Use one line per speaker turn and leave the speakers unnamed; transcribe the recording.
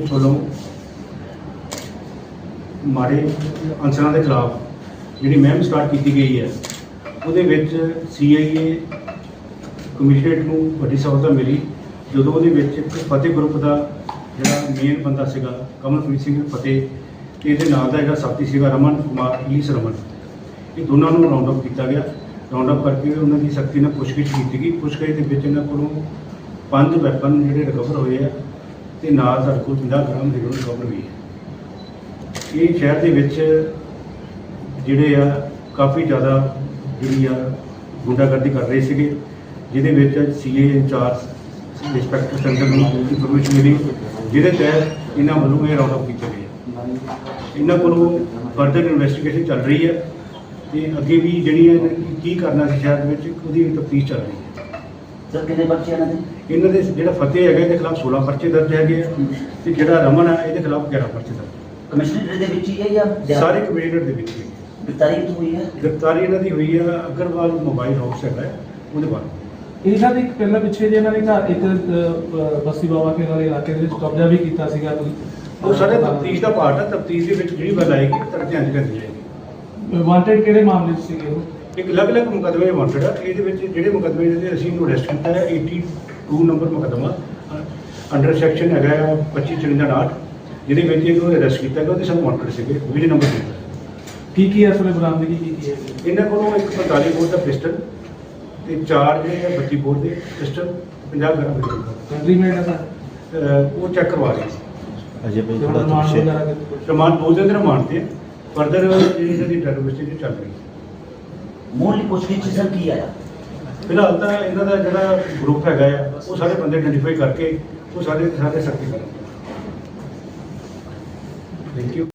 Police ਵੱਲੋਂ ਮਾੜੇ ਅਨਸਰਾਂ ਦੇ ਖਿਲਾਫ ਜਿਹੜੀ ਮੁਹਿੰਮ ਸਟਾਰਟ ਕੀਤੀ ਗਈ ਹੈ ਉਹਦੇ ਵਿੱਚ CIA ਕਮਿਸ਼ਨਰੇਟ ਨੂੰ ਵੱਡੀ ਸਫਲਤਾ ਮਿਲੀ ਜਦੋਂ ਉਹਦੇ ਵਿੱਚ ਇੱਕ ਫਤਿਹ ਗਰੁੱਪ ਦਾ ਜਿਹੜਾ ਮੇਨ ਬੰਦਾ ਸੀਗਾ ਕਮਲਪ੍ਰੀਤ ਸਿੰਘ ਫਤਿਹ ਤੇ ਇਹਦੇ ਨਾਲ ਦਾ ਜਿਹੜਾ ਸਾਥੀ ਸੀਗਾ ਰਮਨ ਕੁਮਾਰ ਈਸ ਰਮਨ, ਇਹ ਦੋਨਾਂ ਨੂੰ ਰਾਉਂਡ ਅਪ ਕੀਤਾ ਗਿਆ। ਰਾਉਂਡ ਅਪ ਕਰਕੇ ਉਹਨਾਂ ਦੀ ਸਖਤੀ ਨਾਲ ਪੁੱਛਗਿੱਛ ਕੀਤੀ ਗਈ। ਪੁੱਛਗਿੱਛ ਦੇ ਵਿੱਚ ਇਹਨਾਂ ਕੋਲੋਂ 5 ਵੈਪਨ ਜਿਹੜੇ ਰਿਕਵਰ ਹੋਏ ਆ ਤੇ ਨਾਲ ਸਾਡੇ ਕੋਲ 50 ਗ੍ਰਾਮ ਹੀਰੋਇਨ ਰਿਕਵਰ ਹੋਈ ਹੈ। ਇਹ ਸ਼ਹਿਰ ਦੇ ਵਿੱਚ ਜਿਹੜੇ ਆ ਕਾਫੀ ਜ਼ਿਆਦਾ ਜਿਹੜੀ ਆ ਗੁੰਡਾਗਰਦੀ ਕਰ ਰਹੇ ਸੀਗੇ, ਜਿਹਦੇ ਵਿੱਚ CA ਇੰਚਾਰਜ ਇੰਸਪੈਕਟਰ ਸੈਂਟਰ ਨੂੰ ਇਨਫੋਰਮੇਸ਼ਨ ਮਿਲੀ, ਜਿਹਦੇ ਤਹਿਤ ਇਹਨਾਂ ਵੱਲੋਂ ਇਹ ਰਾਉਂਡ ਅਪ ਕੀਤੇ ਗਏ। ਇਹਨਾਂ ਕੋਲੋਂ ਫਰਦਰ ਇਨਵੈਸਟੀਗੇਸ਼ਨ ਚੱਲ ਰਹੀ ਹੈ ਤੇ ਅੱਗੇ ਵੀ ਜਿਹੜੀ ਹੈ ਕੀ ਕਰਨਾ ਸੀ ਸ਼ਹਿਰ ਦੇ ਵਿੱਚ ਉਹਦੀ ਤਫਤੀਸ਼ ਚੱਲ ਰਹੀ ਹੈ।
ਸਰ ਕਿੰਨੇ ਪਰਚੇ
ਇਹਨਾਂ ਦੇ ਜਿਹੜਾ ਫਤਿਹ ਹੈਗਾ ਇਹਦੇ ਖਿਲਾਫ 16 ਪਰਚੇ ਦਰਜ ਹੈਗੇ ਆ ਤੇ ਜਿਹੜਾ ਰਮਨ ਹੈ ਇਹਦੇ ਖਿਲਾਫ 11 ਪਰਚੇ ਦਰਜ।
ਕਮਿਸ਼ਨਰ ਦੇ ਵਿੱਚ ਹੀ ਹੈ ਜਾਂ
ਸਾਰੇ ਕਮਿਸ਼ਨਰ ਦੇ ਵਿੱਚ ਹੀ
ਗ੍ਰਿਫਤਾਰੀ ਹੋਈ ਹੈ?
ਗ੍ਰਿਫਤਾਰੀ ਇਹਨਾਂ ਦੀ ਹੋਈ ਹੈ ਅਗਰਵਾਲ ਮੋਬਾਈਲ ਹਾਊਸ ਹੈਗਾ ਉਹਦੇ ਬਾਅਦ।
ਇਹਨਾਂ ਦੇ ਪਹਿਲਾਂ ਪਿੱਛੇ ਜੇ ਇਹਨਾਂ ਨੇ ਘਰ ਇੱਕ ਬਸਤੀ ਬਾਬਾ ਕੇ ਵਾਲੇ ਇਲਾਕੇ ਦੇ ਵਿੱਚ ਕਬਜ਼ਾ ਵੀ ਕੀਤਾ ਸੀਗਾ ਕੋਈ,
ਉਹ ਸਾਡੇ ਤਫਤੀਸ਼ ਦਾ ਪਾਰਟ ਹੈ। ਤਫਤੀਸ਼ ਦੇ ਵਿੱਚ ਜਿਹੜੀ ਗੱਲ ਆਏਗੀ ਤੁਹਾਡੇ ਧਿਆਨ 'ਚ ਲਿਆਂਦੀ ਜਾਏਗੀ।
ਵਾਂਟਡ ਕਿਹੜੇ ਮਾਮਲੇ 'ਚ ਸੀਗੇ ਉਹ?
ਇੱਕ ਅਲੱਗ-ਅਲੱਗ ਮੁਕੱਦਮੇ ਵਾਂਟਡ ਆ। ਇਹਦੇ ਵਿੱਚ ਜਿਹੜੇ ਮੁਕੱਦਮੇ ਜਿਹੜੇ ਅਸੀਂ ਇਹਨੂੰ ਅਰੈਸਟ ਕੀਤਾ ਹੈ 82 ਨੰਬਰ ਮੁਕੱਦਮਾ ਅੰਡਰ ਸੈਕਸ਼ਨ ਹੈਗਾ 2554, ਜਿਹਦੇ ਵਿੱਚ ਇਹਨੂੰ ਅਰੈਸਟ ਕੀਤਾ ਗਿਆ। ਉਹਦੇ ਸਭ ਵਾਂਟਡ ਸੀਗੇ 20 ਨੰਬਰ ਦੇ।
ਕੀ ਹੈ ਅਸਲੇ ਬਰਾਮਦਗੀ ਕੀ ਹੈ?
ਇਹਨਾਂ ਕੋਲੋਂ ਇੱਕ 45 ਬੋਰ ਦਾ ਪਿਸਟਲ ਤੇ 4 ਜਿਹੜੇ ਆ 32 ਬੋਰ ਦੇ ਪਿਸਟਲ 50 ਗ੍ਰਾਮ ਦੇ
ਕੰਟਰੀ ਮੇਡ ਹੈ ਸਰ?
ਉਹ ਚੈੱਕ ਕਰਵਾ ਰਹੇ ਸੀ।
ਅਜੇ ਭਾਈ ਥੋੜਾ
ਰਿਮਾਂਡ
ਪਿੱਛੇ
ਵਗੈਰਾ ਕਿਤੇ?
ਰਿਮਾਂਡ 2 ਦਿਨ ਦੇ ਰਿਮਾਂਡ ਤੇ ਫਰਦਰ ਜਿਹੜੀ ਇਹਨਾਂ ਦੀ ਟੈਰੋਰਿਸਟ ਚੱਲ ਰਹੀ ਹੈ।
ਮੂਲ ਪੁੱਛਗਿੱਛ ਸਰ ਕੀ ਆਇਆ?
ਫਿਲਹਾਲ ਤਾਂ ਇਹਨਾਂ ਦਾ ਜਿਹੜਾ ਗਰੁੱਪ ਹੈਗਾ ਆ ਉਹ ਸਾਰੇ ਬੰਦੇ ਆਇਡੈਂਟੀਫਾਈ ਕਰਕੇ ਉਹ ਸਾਰੇ ਸਖਤੀ ਕਰਾਂਗੇ। Thank you.